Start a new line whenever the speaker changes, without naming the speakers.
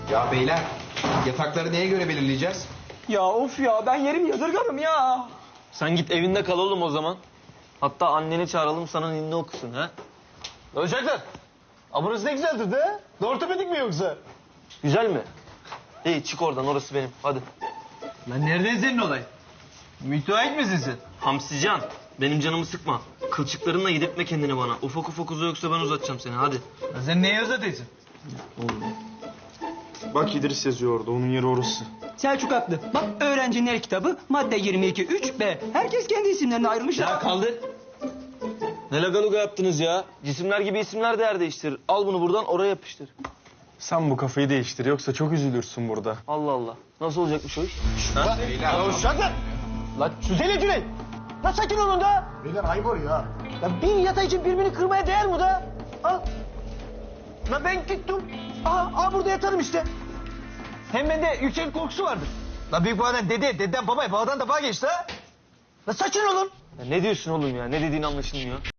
Ya beyler, yatakları neye göre belirleyeceğiz?
Ya of ya, ben yerimi yadırgarım ya.
Sen git evinde kal oğlum o zaman. Hatta anneni çağıralım sana ninni okusun ha.
Uşaklar. Burası ne güzeldir de. Ortopedik mi yoksa?
Güzel mi? İyi çık oradan, orası benim. Hadi.
Lan nereden senin olay? Müteahhit misin sen?
Hamsican, benim canımı sıkma. Kılçıklarınla yedirtme kendini bana. Ufak ufak uza, yoksa ben uzatacağım seni, hadi.
Lan sen neye uzatıyorsun?
Bak İdris yazıyor orada, onun yeri orası.
Selçuk haklı. Bak öğrenciler kitabı madde 22.3b. Herkes kendi isimlerine ayrılmış.
Ya kaldır. Ne lagaluga yaptınız ya? Cisimler gibi isimler de yer değiştirir. Al bunu buradan oraya yapıştır.
Sen bu kafayı değiştir, yoksa çok üzülürsün burada.
Allah Allah. Nasıl olacakmış o iş?
Lan uşaklar. Lan Süzeyli Cüneyt. Lan sakin olun da.
Beyler ayıp oluyor ha.
Lan bir yatağı için birbirini kırmaya değer mi da? Al. Lan ben gittim. Aha burada yatarım işte. Hem bende yüksek korkusu vardır. Lan büyük babadan dededen babaya, babadan da bana geçti ha. Lan sakin olun.
Ya ne diyorsun oğlum ya? Ne dediğin anlaşılmıyor.